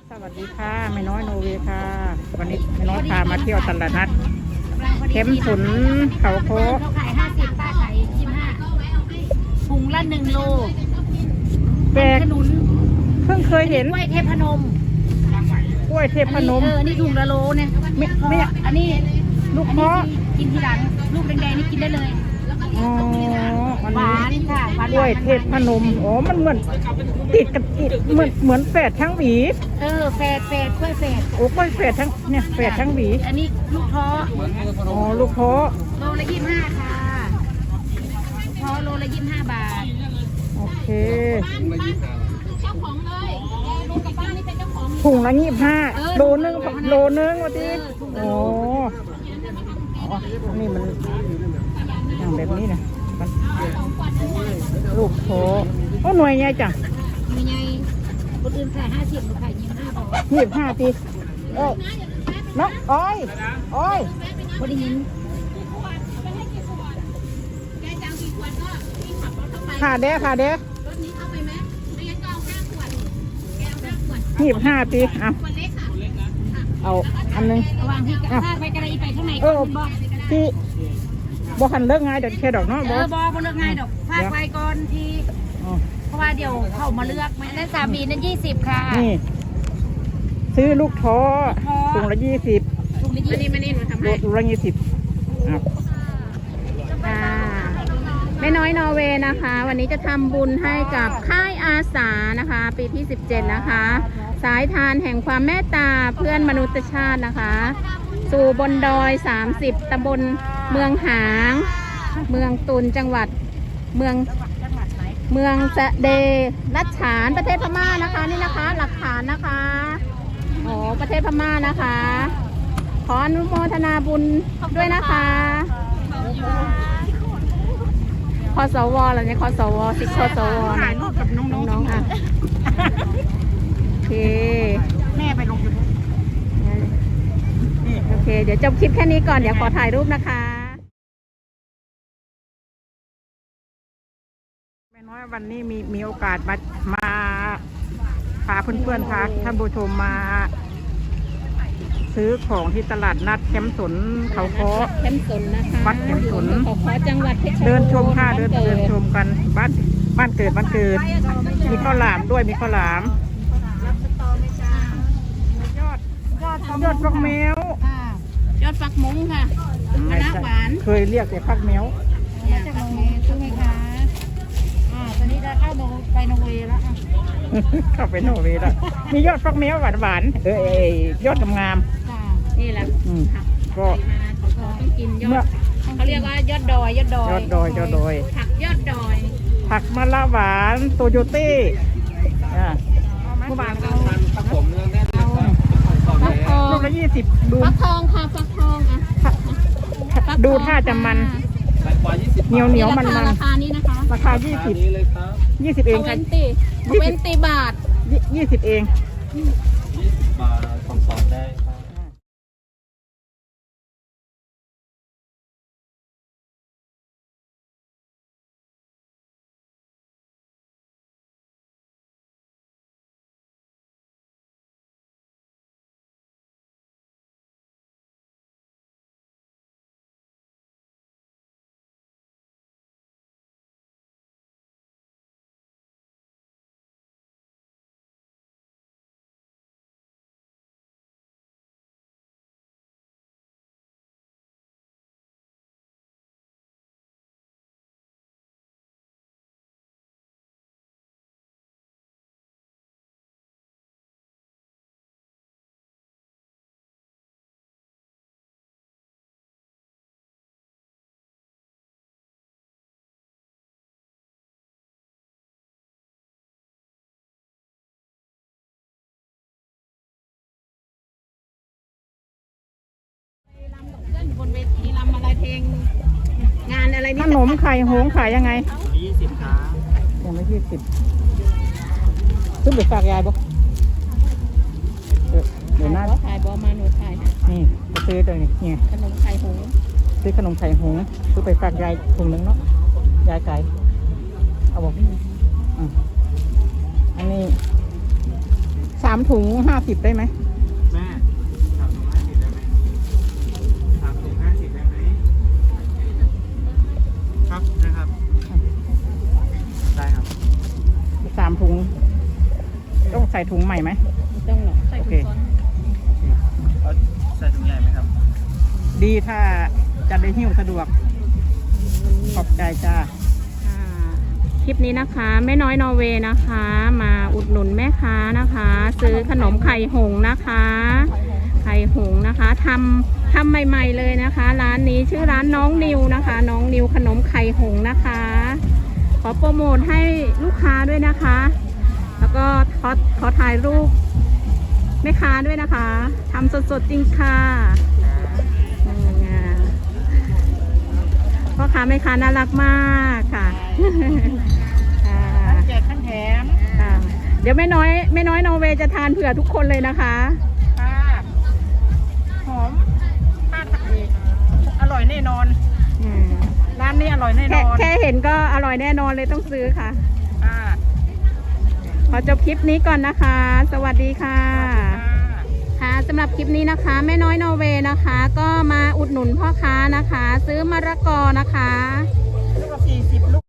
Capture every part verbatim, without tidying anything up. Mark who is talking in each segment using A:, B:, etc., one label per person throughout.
A: สวัสดีค่ะแม่น้อยโนเวค่ะวันนี้แม่น้อยพามาเที่ยวตลาดนัดเข้มสุนเขาโค้
B: เขาขายห้าสิบป้าขายยี่สิบห้าถุงละหนึ่งโล
A: แปลก
B: ขนุน
A: เพิ่งเคยเห็น
B: กล้วยเทพนม
A: กล้วยเทพนม
B: เออนี่ถุงละโลเนี่ย
A: ไม่ไม่
B: อันนี้
A: ลูกเพาะ
B: กินทีหลังลูกแดงๆนี่กินได้เลย
A: อ๋ออัน
B: หวา
A: นี้
B: นค่ะหวาน
A: กล้วยเทพนมอ๋อมันเหมือนติดกับติดเหมือนเหมือนแฝดทั้งหวี
B: เออแฝดแฝดกล้วยแฝด
A: โอ้กล้วยแฝดทั้งเนี่ยแฝดทั้งหวี
B: อันนี้ลูกท้อ
A: อ๋อลูกเพาะ
B: โลละยี่สิบห้าค่ะท้อโลละยี่สิบห้าบาท
A: โอเค
B: เจ้าของเลยลุงกับป้านี่เป็นเจ้าของ
A: ถุงละยี่สิบห้า
B: เออ
A: โลนึงโลนึงวันที่
B: เออถุงละ
A: โอ้
B: โล
A: อ๋อนี่มันอย่างแบบนี้นะมันลูกโถโอ้หน่วยใหญ่จัง
B: มีไงคนอื่นขายห้าสิบหนูขายยี่สิบห้าบาท
A: ยี่สิบห้าปีเอ้ยน้องอ้อยอ้อย
B: พอได้ยิน
A: ขาเด้ขาเด้ยี่สิบห้าปีเอาเอาอันหนึง
B: ระหว่างที่ถ้าไปกระไรไปข้างใน
A: เอ
B: ก็
A: อ
B: บอก
A: ที่บ่หันเลิกง่ายเดี๋ยวแค่ดอกเนาะ
B: เอ
A: บ่
B: อบอกเลือกง่ายดอกพาไปก่อนที
A: อ๋อ
B: เพราะว่าเดี๋ยวเข้ามาเลือกไม่ได้สามีนั่นยี่สิบค่ะ
A: นี่ ซื้อลูกท้อ
B: ท้อ
A: ถุงละยี่สิบ
B: ถุงละยี่สิบมานี่หนูทำ
A: โล
B: ให้
A: ถุงละยี่สิบอ่ะ
C: ค่ะแม่น้อยนอร์เวย์นะคะ วันนี้จะทำบุญให้กับค่ายอาสานะคะ ปีที่สิบเจ็ดนะคะ สายทานแห่งความเมตตาเพื่อนมนุษยชาตินะคะ สู่บนดอยสามสิบตำบลเมืองหาง เมืองตุนจังหวัดเมืองเมืองสะเดรัชฉานประเทศพม่านะคะนี่นะคะ หลักฐานนะคะโอ้ประเทศพม่านะคะ ขออนุโมทนาบุญด้วยนะคะคสวอะไรเนี่ยคสวสิบคสว
A: ถ่ายรูปกับน้อง
C: น้องๆอ่ะโอเค
A: แม่ไปลงยูทูบ
C: โอเค เดี๋ยวจบคลิปแค่นี้ก่อน เดี๋ยวขอถ่ายรูปนะคะ
A: แม่น้อยวันนี้มีมีโอกาสมามาพาเพื่อนๆพาท่านผู้ชมมา ซื้อของที่ตลาดนัดเข้มสนเขาโค้
C: เข้มสนนะคะ
A: วัดเข้มสน
C: เขาขอจังหวัดเพชรบูรณ์
A: เดินชมค่ะเดิน
C: บ้า
A: เดิน
C: กิ
A: ชมกันบ้านบ้านเกิดบ้านเกิด มีข้าวหลามด้วยมีข้าวหลามยอดยอดฟักแมว
B: ค่ะยอดฟักมุ้งค่ะมะนาวหวาน
A: เคยเรียกแต่ฟักแมว
B: เนี่ยฟักมุ้งใช่ไหมคะอ่าตอนนี้จะเข้าโนไปโนเวย์แล้วค่ะ
A: เข้าไปโนเวย์แล้วมียอดฟักแมวหวานหวานๆเออเอยยอดงาม
B: ค่ะ
C: นี่แหละ
A: ๆอืม
C: ผัก
A: ก็
C: ต้องกินย
A: เมื่
C: อ
A: อ
C: ดเขาเรียกว่ายอดดอยยอดดอย
A: ยอดดอยยอดดอย
C: ผักยอดดอย
A: ผักมะละหวานโตโยต้อ่าเมื่อวานเอา
C: ฟักทอง
A: ลูกละยี่สิบดู
C: ฟักทองค่ะฟักทองอ่ะฟักทอง
A: ดูท่าจะมัน
D: แตงกวายี่สิบ
A: เหนียวเหนียวมันมัน
C: ราคานี้นะคะ
A: ราคายี่สิบ
D: นี้เลยครับ
A: ยี่สิบเอง
C: เว
A: ค่ะ
C: นตีเวนตีบาท
A: ยี่สิบเอง
D: ยี่สิบบาทสองสองได้ครับ
C: บนเวทีรำอะไรเพลงงานอะไร
A: ข
C: นี่
A: นมไข่หงส์ขายยังไง
D: ยี่สิบครับ
A: ยังไม่ยี่สิบซื้อไปฝากยายบ่เออเดี๋ยวหน้า
C: ขอถ่ายบอมาหนูถ่ายให้
A: นี่ไปซื้อเลยนี่ไง
C: ขนมไข่หงส์
A: ซื้อขนมไข่หงส์ซื้อไปฝากยายถุงนึงเนาะยายไก่เอาบอกอืมอันนี้สสามถุงห้าสิบได้ไหม
D: แม่สามถุงห้าสิบได้ไหมสามถุงห้าสิบได้ไหมครับนะครับได้ครับ
A: สามถุงต้องใส่ถุงใหม่ไหม
C: ต้องหรอก
A: โอเค
D: เอาใส่ถุงใหญ่ไหมครับ
A: ดีถ้าจะได้หิ้วสะดวกขอบใจจ้า
C: ค่ะคลิปนี้นะคะแม่น้อยนอร์เวย์นะคะ มาอุดหนุนแม่ค้านะคะ ซื้อขนมไข่หงส์นะคะ ไข่หงส์นะคะทำทำใหม่ๆเลยนะคะ ร้านนี้ชื่อร้านน้องนิวนะคะ น้องนิวขนมไข่หงส์นะคะ ขอโปรโมทให้ลูกค้าด้วยนะคะ แล้วก็ขอขอถ่ายรูปแม่ค้าด้วยนะคะทำสดๆจริงค่ะอืมพ่อค้าแม่ค้าน่ารักมากค่ะค่ะ
A: แจกขั้นแถม
C: ค่ะเดี๋ยวแม่น้อยแม่น้อยนอร์เวย์จะทานเผื่อทุกคนเลยนะคะ
A: ค่ะหอมป้าตักเองอร่อยแน่นอน
C: อืม
A: ร้านนี้อร่อยแน่น
C: แค่
A: อน
C: แค่เห็นก็อร่อยแน่นอนเลยต้องซื้อค่ะ
A: ค่ะ
C: ขอจบคลิปนี้ก่อนนะคะ สวัสดีค่ะ
A: ค่ะ
C: ค่ะสำหรับคลิปนี้นะคะแม่น้อยนอร์เวย์นะคะ ก็มาอุดหนุนพ่อค้านะคะ ซื้อมะละกอนะคะ
A: ลูกละสี่สิบลูก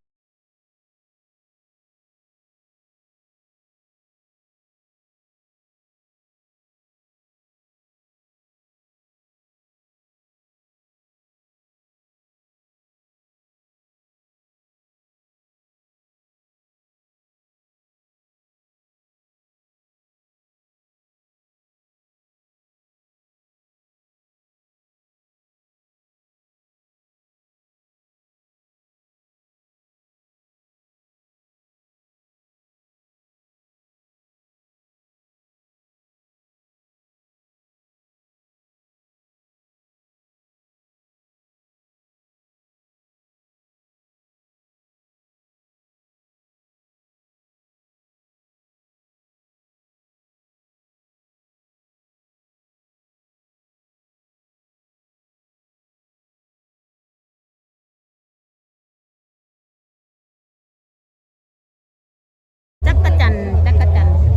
C: จักรจันทร์จักรจันทร์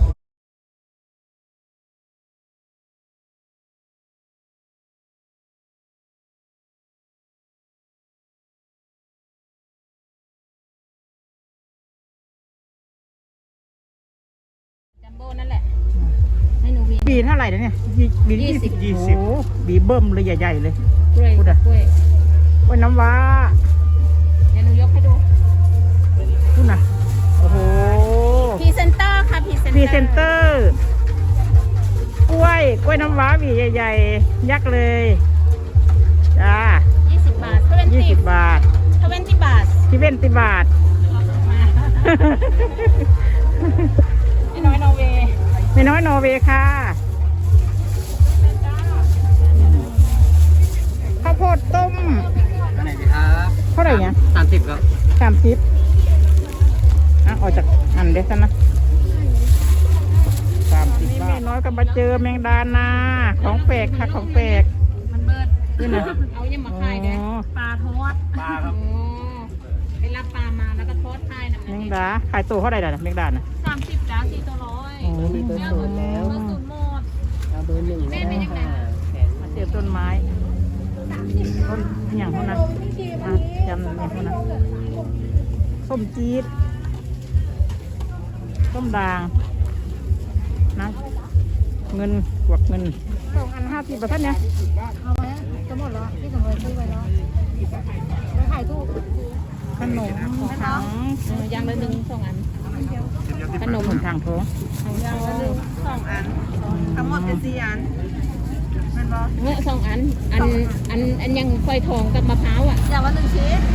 C: จัมโบ้นั่นแหละ ให้หนูวี
A: บีเท่าไหร่นะเนี่ยบีบี
C: ยี่
A: ยี่
C: สิ
A: สิ
C: บ
A: บยี่สิบโอ้บีเบิ้มเลยใหญ่ๆเลย
C: กล้วย
A: พูดอะ
C: กล้วย
A: โอ้ยน้ำว้า
C: เดี๋ยวหนูยกให้ดู
A: พูดนะโอ้โห
C: พรีเซนเตอร์ค่ะพรีเซน
A: พ
C: เตอ
A: รี
C: ร์
A: เซนเตอร์กล้วยกล้วยน้ำว้าบีใหญ่ๆ ยักษ์เลยจ้า
C: ยี่สิบบาททเวน
A: ยี่
C: ตี้
A: สิบบาท
C: ทเวนตี้บาท
A: ที่เว้นติบาท
C: ไม่น้อยนอร์เวย์
A: ไม่น้อยนอร์เวย์ค่ะข้าวโพดต้ม
D: อันไหนดีครับ
A: เท่าไหร่เนี่ย
D: สามสิบครับ
A: สามสิบอ่ะออกจากอันเด็ดซะนะสามสิบนี่ไม่น้อยก็มาเจอแมงดานาของแปลกค่ะของแปลก
C: มันเบิด
A: นี่นะ
C: เอายังมาขายเด้
A: อ๋อ
C: ปลาทอด
D: ปลาครับ
C: โอ้ไปรับปลามาแล้วก็ทอดขายนะ
A: แมงดาขายตัวเท่าไหร่ล่ะแมงดาน่ะ
C: สามสิบจ้าสี่ตัวร้อย
A: โอ้มีตัวสูงแล้ว
C: เบอร์ศูนย์หมด
D: เอาเบอร์หนึ่ง
C: แม่เป็นยังไง
A: มาเจอต้นไม้ต้นอย่างเท่านั้นมาจำอย่างเท่านั้นส้มจี๊ดส้มด่างนะเงินกวักเงินสองอันห้าสิบประทัดเนี่ย
B: เอาไว้จะหมดแล้วพี่สมรซื้อไว้แล้วไปขายตู้
A: ขนมถัง
C: เออยางละหนึ่งสองอัน ขนม
A: ขนมถังโถ
C: ยางละหนึ่งสองอัน
A: ทั้งหมดเป็นสี่อันมันบอ
C: เมื่อสองอัน อัน อัน อันยังไฟทองกับมะพร้าวอ่ะ
B: อย่างละหนึ่งชิ้น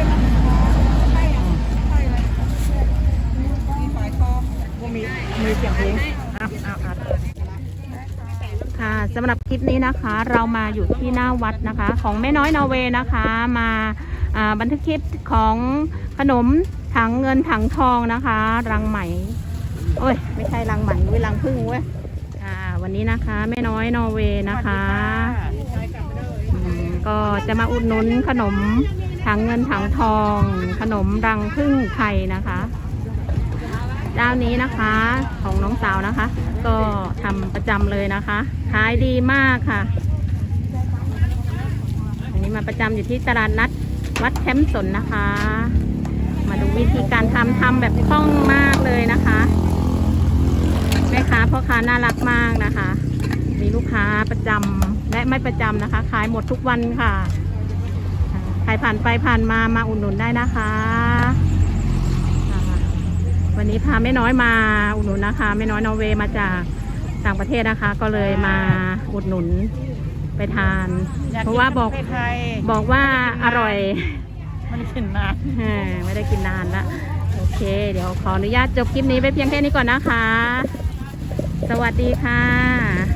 A: มีมีเสียงเพลงอ้าวอ้าวอ้าว
C: ค่ะสำหรับคลิปนี้นะคะ เรามาอยู่ที่หน้าวัดนะคะ ของแม่น้อยนอร์เวย์นะคะ มาอ่าบันทึกคลิปของขนมถังเงินถังทองนะคะ รังไหมโอ้ยไม่ใช่รังไหมเว้ยรังพึ่งเว้ยอ่าวันนี้นะคะแม่น้อยนอร์เวย์นะคะอืมก็จะมาอุดหนุนขนมถังเงินถังทอง ขนมรังพึ่งไทยนะคะเจ้านี้นะคะของน้องสาวนะคะ ก็ทำประจำเลยนะคะขายดีมากค่ะอันนี้มาประจำอยู่ที่ตลาดนัดวัดแคมป์สนนะคะ มาดูวิธีการทำทำแบบคล่องมากเลยนะคะแม่ค้าพ่อค้าน่ารักมากนะคะ มีลูกค้าประจำและไม่ประจำนะคะขายหมดทุกวันค่ะใครผ่านไปผ่านมามาอุดหนุนได้นะคะวันนี้พาแม่น้อยมาอุดหนุนนะคะแม่น้อยนอร์เวย์มาจากต่างประเทศนะคะ ก็เลยมาอุดหนุนไปทาน เพราะว่าบอก
A: ไทย
C: บอกว่าอร่อย
A: ไม่ได้กินนาน
C: เออไม่ได้กินนานละโอเค เดี๋ยวขออนุญาตจบคลิปนี้ไปเพียงแค่นี้ก่อนนะคะ สวัสดีค่ะ